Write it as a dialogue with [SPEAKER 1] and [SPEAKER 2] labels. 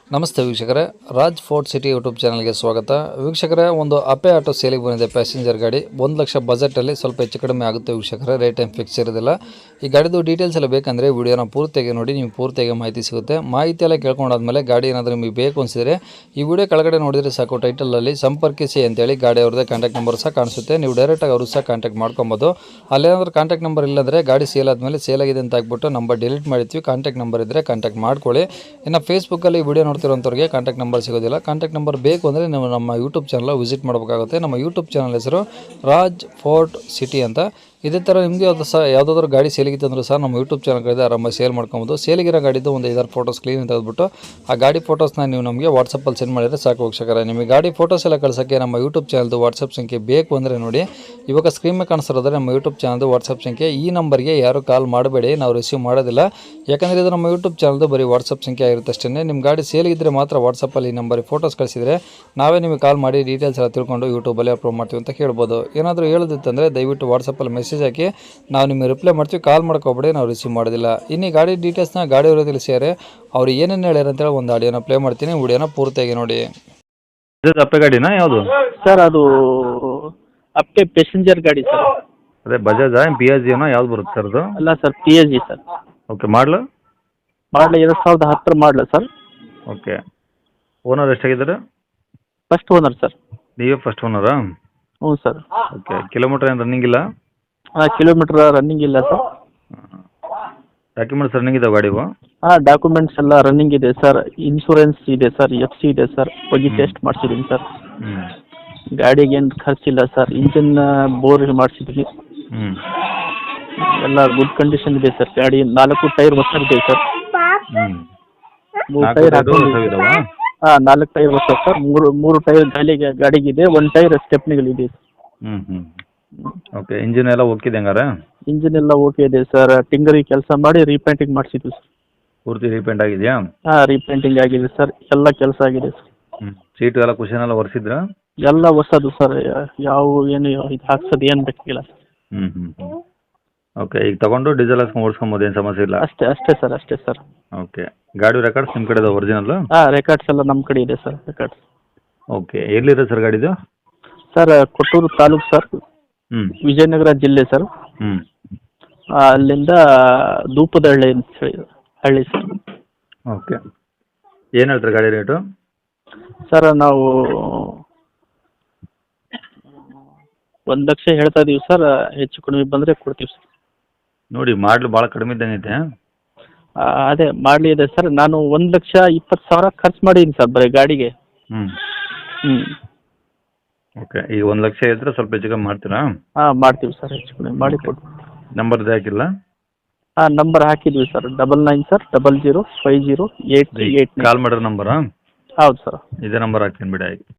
[SPEAKER 1] ನಮಸ್ತೆ ವೀಕ್ಷಕರೇ, Raj fort city YouTube ಚಾನಲ್ಗೆ ಸ್ವಾಗತ. ವೀಕ್ಷಕರೇ, ಒಂದು ಅಪೆ ಆಟೋ ಸೇಲಿಗೆ ಬಂದಿದೆ. ಪ್ಯಾಸೆಂಜರ್ ಗಾಡಿ 1 ಲಕ್ಷ ಬಜೆಟಲ್ಲಿ ಸ್ವಲ್ಪ ಹೆಚ್ಚು ಕಡಿಮೆ ಆಗುತ್ತೆ ವೀಕ್ಷಕರೇ. ರೇಟ್ ಏನು ಫಿಕ್ಸ್ ಇರೋದಿಲ್ಲ. ಈ ಗಾಡಿದು ಡೀಟೇಲ್ಸ್ ಎಲ್ಲ ಬೇಕಂದರೆ ವಿಡಿಯೋನ ಪೂರ್ತಿಯಾಗಿ ನೋಡಿ, ನೀವು ಪೂರ್ತಿಯಾಗಿ ಮಾಹಿತಿ ಸಿಗುತ್ತೆ. ಮಾಹಿತಿ ಎಲ್ಲ ಕೇಳ್ಕೊಂಡಾದ್ಮೇಲೆ ಗಾಡಿ ಏನಾದರೂ ನಿಮಗೆ ಬೇಕು ಅನಿಸಿದರೆ ಈ ವಿಡಿಯೋ ಕೆಳಗಡೆ ನೋಡಿದರೆ ಸಾಕು, ಟೈಟಲಲ್ಲಿ ಸಂಪರ್ಕಿಸಿ ಅಂತೇಳಿ ಗಾಡಿ ಅವ್ರದ್ದೇ ಕಾಂಟ್ಯಾಕ್ಟ್ ನಂಬರ್ ಸಹ ಕಾಣಿಸುತ್ತೆ. ನೀವು ಡೈರೆಕ್ಟಾಗಿ ಅವರು ಸಹ ಕಾಂಟ್ಯಾಕ್ಟ್ ಮಾಡ್ಕೊಬೋದು. ಅಲ್ಲೇನಾದ್ರೂ ಕಾಂಟ್ಯಾಕ್ಟ್ ನಂಬರ್ ಇಲ್ಲಂದರೆ ಗಾಡಿ ಸೇಲ್ ಆದಮೇಲೆ ಸೇಲ್ ಆಗಿದೆ ಅಂತ ಹಾಕ್ಬಿಟ್ಟು ನಂಬರ್ ಡಿಲೀಟ್ ಮಾಡಿರ್ತೀವಿ. ಕಾಂಟ್ಯಾಕ್ಟ್ ನಂಬರ್ ಇದ್ದರೆ ಕಾಂಟ್ಯಾಕ್ಟ್ ಮಾಡ್ಕೊಳ್ಳಿ. ಇನ್ನು ಫೇಸ್ಬುಕ್ಕಲ್ಲಿ ವಿಡಿಯೋ ನೋಡ್ತಿರೋಂಥವ್ರಿಗೆ ಕಾಂಟ್ಯಾಕ್ಟ್ ನಂಬರ್ ಸಿಗೋದಿಲ್ಲ. ಕಾಂಟ್ಯಾಕ್ಟ್ ನಂಬರ್ ಬೇಕು ಅಂದರೆ ನೀವು ನಮ್ಮ ಯೂಟ್ಯೂಬ್ ಚಾನಲ್ ವಿಸಿಟ್ ಮಾಡಬೇಕಾಗುತ್ತೆ. ನಮ್ಮ ಯೂಟ್ಯೂಬ್ ಚಾನಲ್ ಹೆಸರು ರಾಜ್ ಫೋರ್ಟ್ ಸಿಟಿ ಅಂತ. ಇದೇ ಥರ ನಿಮಗೆ ಯಾವುದಾದ್ರೂ ಗಾಡಿ ಸೇಲಿಗಿತ್ತು ಅಂದರೂ ಸಹ ನಮ್ಮ ಯೂಟ್ಯೂಬ್ ಚಾನಲ್ಗಳಿಂದ ಆರಾಮಾಗಿ ಸೇಲ್ ಮಾಡ್ಕೊಬೋದು. ಸೇಲಿಗಿರೋ ಗಾಡಿದ್ದು ಒಂದು 5-6 ಫೋಟೋಸ್ ಕ್ಲೀನ್ ತೆಗೆದುಬಿಟ್ಟು ಆ ಗಾಡಿ ಫೋಟೋಸ್ನ ನೀವು ನಮಗೆ ವಾಟ್ಸಪ್ಪಲ್ಲಿ ಸೆಂಡ್ ಮಾಡಿದರೆ ಸಾಕು ವೀಕ್ಷಕರೇ. ನಿಮಗೆ ಗಾಡಿ ಫೋಟೋಸ್ ಎಲ್ಲ ಕಳ್ಸೋಕ್ಕೆ ನಮ್ಮ ಯೂಟ್ಯೂಬ್ ಚಾನಲ್ದು ವಾಟ್ಸಪ್ ಸಂಖ್ಯೆ ಬೇಕು ಅಂದರೆ ನೋಡಿ, ಇವಾಗ ಸ್ಕ್ರೀನ್ ಮೇಲೆ ಕಾಣಿಸ್ತಿರೋದ್ರೆ ನಮ್ಮ ಯೂಟ್ಯೂಬ್ ಚಾನಲ್ದು ವಾಟ್ಸಪ್ ಸಂಖ್ಯೆ. ಈ ನಂಬರ್ಗೆ ಯಾರು ಕಾಲ್ ಮಾಡಬೇಡಿ, ನಾವು ರಿಸೀವ್ ಮಾಡೋದಿಲ್ಲ. ಯಾಕಂದರೆ ಇದು ನಮ್ಮ ಯೂಟ್ಯೂಬ್ ಚಾನಲ್ದು ಬರೀ ವಾಟ್ಸಪ್ ಸಂಖ್ಯೆ ಆಗಿರುತ್ತೆ ಅಷ್ಟೇ. ನಿಮ್ಮ ಗಾಡಿ ಸೇಲಿಗಿದ್ದರೆ ಮಾತ್ರ ವಾಟ್ಸಪ್ಪಲ್ಲಿ ಈ ನಂಬರಿಗೆ ಫೋಟೋಸ್ ಕಳಿಸಿದರೆ ನಾವೇ ನಿಮಗೆ ಕಾಲ್ ಮಾಡಿ ಡೀಟೇಲ್ಸ್ ಎಲ್ಲ ತಿಳ್ಕೊಂಡು ಯೂಟ್ಯೂಬಲ್ಲಿ ಅಪ್ಲೋಡ್ ಮಾಡ್ತೀವಿ ಅಂತ ಹೇಳ್ಬೋದು. ಏನಾದರೂ ಹೇಳೋದಿತ್ತಂದರೆ ದಯವಿಟ್ಟು ವಾಟ್ಸಪ್ಪಲ್ಲಿ ಮೆಸೇಜ್ ಹಾಕಿ, ನಾವು ನಿಮಗೆ ರಿಪ್ಲೈ ಮಾಡ್ತೀವಿ. ಕಾಲ್ ಮಾಡ್ಕೊಬೇಡಿ, ನಾವು ರಿಸೀವ್ ಮಾಡೋದಿಲ್ಲ. ಇನ್ನು ಗಾಡಿ ಡೀಟೇಲ್ಸ್ನ ಗಾಡಿಯವರು ತಿಳಿಸಿದ್ದಾರೆ. ಅವ್ರು ಏನೇನು ಹೇಳ್ಯಾರ ಅಂತೇಳಿ ಒಂದು ಆಡಿಯೋನ ಪ್ಲೇ ಮಾಡ್ತೀನಿ, ವಿಡಿಯೋನ ಪೂರ್ತಿಯಾಗಿ ನೋಡಿ.
[SPEAKER 2] ಇದು ಅಪ್ಪೆ ಗಾಡಿನಾ ಯಾವುದು?
[SPEAKER 3] ಸರ್ ಅದು ಅಪ್ಪೆ ಪ್ಯಾಸೆಂಜರ್ ಗಾಡಿ ಸರ್.
[SPEAKER 2] ಅದೇ ಬಜಾಜಾ ಪಿಯಾಜಿಯೋನಾ ಯಾವ್ದು ಬರುತ್ತೆ ಸರ್ ಅದು?
[SPEAKER 3] ಅಲ್ಲ sir, P S G sir.
[SPEAKER 2] Okay, ಮಾಡಲು
[SPEAKER 3] 2010 ಮಾಡಲು ಸರ್.
[SPEAKER 2] ಓಕೆ, ಓನರ್ ಎಷ್ಟಾಗಿದ್ದಾರೆ?
[SPEAKER 3] First owner sir.
[SPEAKER 2] ನೀವೇ ಫಸ್ಟ್ ಓನರಾ?
[SPEAKER 3] ಹ್ಞೂ ಸರ್.
[SPEAKER 2] ಓಕೆ, ಕಿಲೋಮೀಟರ್ ಏನು ರನ್ನಿಂಗ್ ಇಲ್ಲ?
[SPEAKER 3] ಕಿಲೋಮೀಟ್ರ್ ರನ್ನಿಂಗ್ ಇಲ್ಲ ಸರ್.
[SPEAKER 2] ಡಾಕ್ಯುಮೆಂಟ್ಸ್ ರನ್ನಿಂಗ್ ಇದಾವೆ ಗಾಡಿವು?
[SPEAKER 3] ಡಾಕ್ಯುಮೆಂಟ್ಸ್ ಎಲ್ಲ ರನ್ನಿಂಗ್ ಇದೆ ಸರ್. ಇನ್ಶೂರೆನ್ಸ್ ಇದೆ ಸರ್, FC ಇದೆ ಸರ್. ಹೋಗಿ ಟೆಸ್ಟ್ ಮಾಡಿಸಿದ್ದೀನಿ ಸರ್. ಗಾಡಿಗೆ ಏನು ಖರ್ಚಿಲ್ಲ ಸರ್. ಇಂಜಿನ್ ಬೋರ್ ಮಾಡಿಸಿದ್ದೀನಿ. ಎಲ್ಲ ಗುಡ್ ಕಂಡೀಷನ್ ಇದೆ ಸರ್. ಗಾಡಿ 4 ಟೈರ್ ಹೊಸದಿದೆ ಸರ್. 3 ಟೈರ್ 4 ಟೈರ್ ಹೊಸ ಸರ್. 3 ಟೈರ್ ಗಾಡಿಗಿದೆ. 1 ಟೈರ್ ಸ್ಟೆಪ್ನಿಗಳಿದೆ.
[SPEAKER 2] ಓಕೆ, ಇಂಜಿನ್ ಎಲ್ಲ ಓಕೆ ಹಂಗಾರೆ?
[SPEAKER 3] ಇಂಜಿನ್ ಎಲ್ಲ ಓಕೆ ಇದೆ ಸರ್. ಟಿಂಗರಿಂಗ್ ಕೆಲಸ ಮಾಡಿ ರೀಪೇಂಟಿಂಗ್ ಮಾಡಿಸಿದ್ವಿ ಸರ್.
[SPEAKER 2] ಪೂರ್ತಿ ರೀಪೇಂಟ್ ಆಗಿದೆಯಾ?
[SPEAKER 3] ರೀಪೇಂಟಿಂಗ್ ಆಗಿದೆ ಸರ್. ಎಲ್ಲ ಕೆಲಸ ಆಗಿದೆ ಸರ್.
[SPEAKER 2] ಸೀಟು ಎಲ್ಲ ಕುಷನ್ ಎಲ್ಲ ಒರೆಸಿದ್ರಾ?
[SPEAKER 3] ಎಲ್ಲ ಹೊಸದು ಸರ್. ಯಾವ ಏನು ಇದು ಹಾಕ್ಸೋದು ಏನು ಬೇಕಾಗಿಲ್ಲ ಸರ್.
[SPEAKER 2] ಓಕೆ, ಈಗ ತಗೊಂಡು ಡೀಸೆಲ್ ಹಾಕ್ಸ್ಕೊಂಡು ಓಡಿಸ್ಕೊಬೋದು, ಏನು ಸಮಸ್ಯೆ ಇಲ್ಲ?
[SPEAKER 3] ಅಷ್ಟೇ ಸರ್.
[SPEAKER 2] ಓಕೆ, ಗಾಡಿ ರೆಕಾರ್ಡ್ಸ್ ನಿಮ್ಮ ಕಡೆ ಇದೆ ಒರಿಜಿನಲ್?
[SPEAKER 3] ರೆಕಾರ್ಡ್ಸ್ ಎಲ್ಲ ನಮ್ಮ ಕಡೆ ಇದೆ ಸರ್. ರೆಕಾರ್ಡ್ಸ್.
[SPEAKER 2] ಓಕೆ, ಎಲ್ಲಿದೆ ಸರ್ ಗಾಡಿದು?
[SPEAKER 3] Sir Kotturu taluk sir. ವಿಜಯನಗರ ಜಿಲ್ಲೆ ಸರ್. ಅಲ್ಲಿಂದ ಧೂಪದಹಳ್ಳಿ ಅಂತ ಹೇಳಿ ಹಳ್ಳಿ ಸರ್.
[SPEAKER 2] ಓಕೆ, ಏನು ಹೇಳ್ತಾರೆ ಗಾಡಿ ರೇಟು?
[SPEAKER 3] ಸರ್ ನಾವು 1 ಲಕ್ಷ ಹೇಳ್ತಾ ಇದೀವಿ ಸರ್. ಹೆಚ್ಚು ಕಡಿಮೆ ಬಂದರೆ ಕೊಡ್ತೀವಿ ಸರ್.
[SPEAKER 2] ನೋಡಿ, ಮಾಡಲು ಭಾಳ ಕಡಿಮೆ ಇದ್ದಂಗೈತೆ.
[SPEAKER 3] ಅದೇ ಮಾಡಲಿ ಇದೆ ಸರ್. ನಾನು 1,20,000 ಖರ್ಚು ಮಾಡಿದ್ದೀನಿ ಸರ್ ಬರೀ ಗಾಡಿಗೆ.
[SPEAKER 2] ಓಕೆ, ಈಗ 1 ಲಕ್ಷ ಇದ್ದರೆ ಸ್ವಲ್ಪ ಹೆಚ್ಚು ಕಮ್ಮಿ ಮಾಡ್ತೀರಾ?
[SPEAKER 3] ಮಾಡ್ತೀವಿ ಸರ್. ಹೆಚ್ಚು ಕಡಿಮೆ ಮಾಡಿ ಕೊಡ್ತೀವಿ.
[SPEAKER 2] ನಂಬರ್ ಹಾಕಿಲ್ಲ?
[SPEAKER 3] ನಂಬರ್ ಹಾಕಿದ್ವಿ ಸರ್. 99 ಸರ್ 00508389.
[SPEAKER 2] ಕಾಲ್ ಮಾಡಿರೋ ನಂಬರಾ?
[SPEAKER 3] ಹೌದು ಸರ್.
[SPEAKER 2] ಇದೇ ನಂಬರ್ ಹಾಕ್ತೀನಿ ಬಿಡಿ. ಆಯ್ತು.